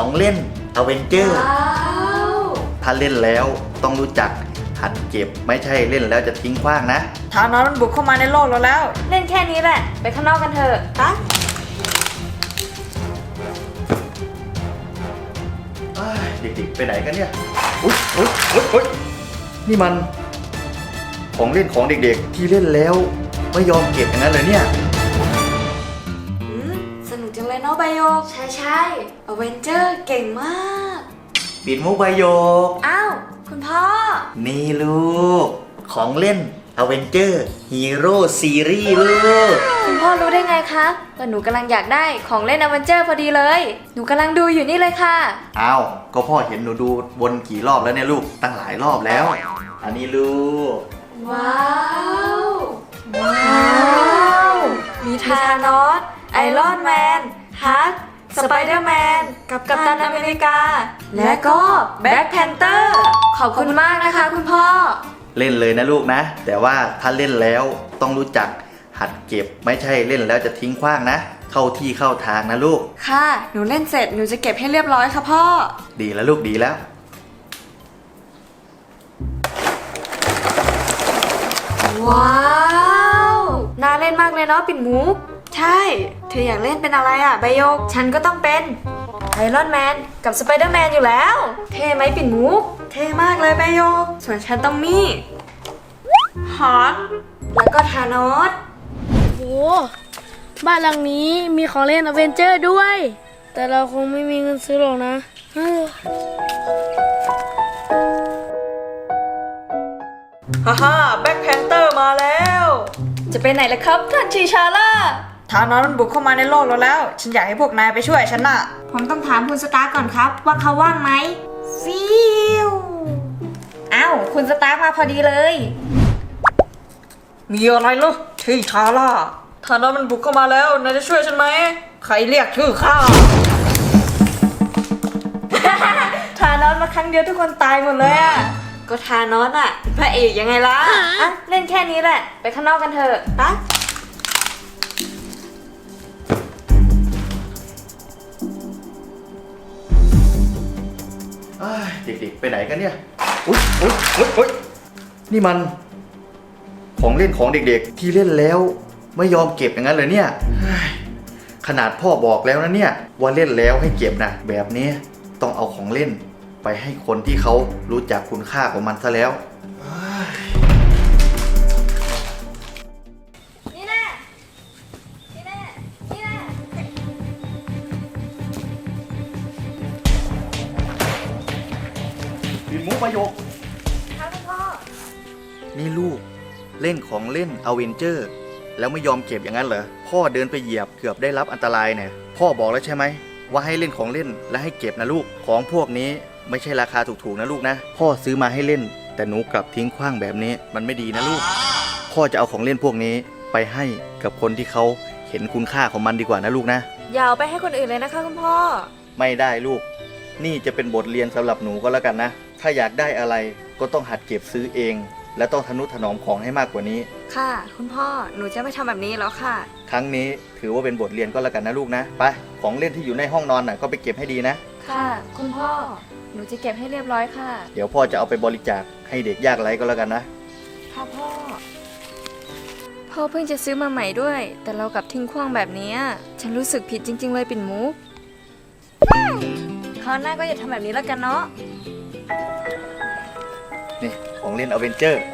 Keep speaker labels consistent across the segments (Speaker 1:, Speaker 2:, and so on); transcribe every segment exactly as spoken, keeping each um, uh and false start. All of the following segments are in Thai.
Speaker 1: ของเล่นอเวนเจอร์ถ้าเล่นแล้วต้องรู้จักหัดเก็บไม่ใช่เล่นแล้วจะทิ้งขว้างนะ
Speaker 2: ทานอนมันบุกเข้ามาในโลกเราแล้ว
Speaker 3: เล่นแค่นี้แหละไปข้างนอกกันเถอะฮะ
Speaker 1: เด็กๆไปไหนกันเนี่ยอุ๊ยอุ๊ยอุ๊ยอุ๊ยนี่มันของเล่นของเด็กๆที่เล่นแล้วไม่ยอมเก็บอย่างนั้นเลยเนี่ย
Speaker 3: สนุกจังเลยเนาะใบโยกใช่ใช่อเวนเจอร์เก่งมาก
Speaker 1: ปิดมุกใบโยก
Speaker 3: อ้าวคุณพ่อ
Speaker 1: นี่ลูกของเล่นอเวนเจอร์ฮีโร่ซีรีส์ลูก
Speaker 3: คุณพ่อรู้ได้ไงคะว่าหนูกำลังอยากได้ของเล่นอเวนเจอร์พอดีเลยหนูกำลังดูอยู่นี่เลยค่ะ
Speaker 1: อ้าวก็พ่อเห็นหนูดูวนกี่รอบแล้วเนี่ยลูกตั้งหลายรอบแล้วอันนี้ลูก
Speaker 3: ว้าวว้าวมีธานอสไอรอนแมนฮักสไปเดอร์แมนกับกัปตันอเมริกาและก็แบ็คแพนเตอร์ขอบคุณมากนะคะคุณพ่อ
Speaker 1: เล่นเลยนะลูกนะแต่ว่าถ้าเล่นแล้วต้องรู้จักหัดเก็บไม่ใช่เล่นแล้วจะทิ้งขว้างนะเข้าที่เข้าทางนะลูก
Speaker 3: ค่ะหนูเล่นเสร็จหนูจะเก็บให้เรียบร้อยค่ะพ่อ
Speaker 1: ดีแล้วลูกดีแล้ว
Speaker 3: ว้าวน่าเล่นมากเลยเนาะปิ่นมุกใช่เธออยากเล่นเป็นอะไรอ่ะใบโยกฉันก็ต้องเป็นไอรอนแมนกับสไปเดอร์แมนอยู่แล้วเท่ไหมปิ่นมุกเท่มากเลยใบโยกส่วนฉันต้องมีฮอตแล้วก็ธานอส
Speaker 4: โหบ้านหลังนี้มีของเล่นอเวนเจอร์ด้วยแต่เราคงไม่มีเงินซื้อหรอกนะ
Speaker 2: ฮ่าฮ่าแบ็คแพนเตอร์มาแล้ว
Speaker 3: จะไปไหนล่ะครับท่านชีชาร่า
Speaker 2: ทานอนมันบุกเข้ามาในโลกเราแล้วฉันอยากให้พวกนายไปช่วยฉันน่ะ
Speaker 3: ผมต้องถามคุณสตาร์ก่อนครับว่าเขาว่างไหมฟิวอ้าวคุณสตาร์มาพอดีเลย
Speaker 2: มีอะไรล่ะที่ชาร่าทานอนมันบุกเข้ามาแล้วนายจะช่วยฉันไหมใครเรียกชื่อข้า
Speaker 3: ทานอสมาครั้งเดียวทุกคนตายหมดเลยอ่ะก็ทานอสอ่ะพระเอกยังไงล่ะอ่ะเล่นแค่นี้แหละไปข้างนอกกันเถอะปะ
Speaker 1: เด็กๆไปไหนกันเนี่ยอุ๊ยอุ๊ยอุ๊ยอุ๊ยนี่มันของเล่นของเด็กๆที่เล่นแล้วไม่ยอมเก็บอย่างนั้นเลยเนี่ยขนาดพ่อบอกแล้วนะเนี่ยว่าเล่นแล้วให้เก็บนะแบบนี้ต้องเอาของเล่นไปให้คนที่เขารู้จักคุณค่าของมันซะแล้ว
Speaker 3: นี่แน่นี่แน่นี่แน่
Speaker 1: ปิดมุกประโยค
Speaker 3: ครับคุณพ่อ
Speaker 1: นี่ลูกเล่นของเล่นอเวนเจอร์แล้วไม่ยอมเก็บอย่างนั้นเหรอพ่อเดินไปเหยียบเกือบได้รับอันตรายเนี่ยพ่อบอกแล้วใช่ไหมว่าให้เล่นของเล่นและให้เก็บนะลูกของพวกนี้ไม่ใช่ราคาถูกๆนะลูกนะพ่อซื้อมาให้เล่นแต่หนูกลับทิ้งขว้างแบบนี้มันไม่ดีนะลูกพ่อจะเอาของเล่นพวกนี้ไปให้กับคนที่เขาเห็นคุณค่าของมันดีกว่านะลูกนะ
Speaker 3: อย่าเอาไปให้คนอื่นเลยนะคะคุณพ่อ
Speaker 1: ไม่ได้ลูกนี่จะเป็นบทเรียนสำหรับหนูก็แล้วกันนะถ้าอยากได้อะไรก็ต้องหัดเก็บซื้อเองและต้องทนุถนอมของให้มากกว่านี้
Speaker 3: ค่ะคุณพ่อหนูจะไม่ทำแบบนี้แล้วค่ะ
Speaker 1: ครั้งนี้ถือว่าเป็นบทเรียนก็แล้วกันนะลูกนะไปของเล่นที่อยู่ในห้องนอนน่ะก็ไปเก็บให้ดีนะ
Speaker 3: ค่ะคุณพ่อหนูจะเก็บให้เรียบร้อยค่ะ
Speaker 1: เดี๋ยวพ่อจะเอาไปบริจาคให้เด็กยากไร้ก็แล้วกันนะ
Speaker 3: ค่ะพ่อพ่อเพิ่งจะซื้อมาใหม่ด้วยแต่เรากลับทิ้งขว้างแบบนี้ฉันรู้สึกผิดจริงๆเลยปิ่นมุกคราวหน้าก็อย่าทำแบบนี้แล้วกันเนาะ
Speaker 1: นี่ของเล่นอเวนเจอร์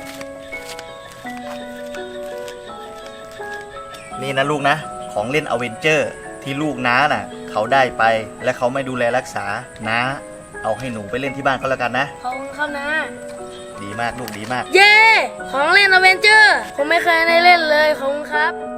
Speaker 1: นี่นะลูกนะของเล่นอเวนเจอร์ที่ลูกน้าน่ะเขาได้ไปและเขาไม่ดูแลรักษาน้าเอาให้หนูไปเล่นที่บ้านก็แล้วกันนะ
Speaker 4: ขอบคุณครับนะ
Speaker 1: ดีมากลูกดีมาก
Speaker 4: เย้ของเล่นอเวนเจอร์ผมไม่เคยได้เล่นเลยขอบคุณครับ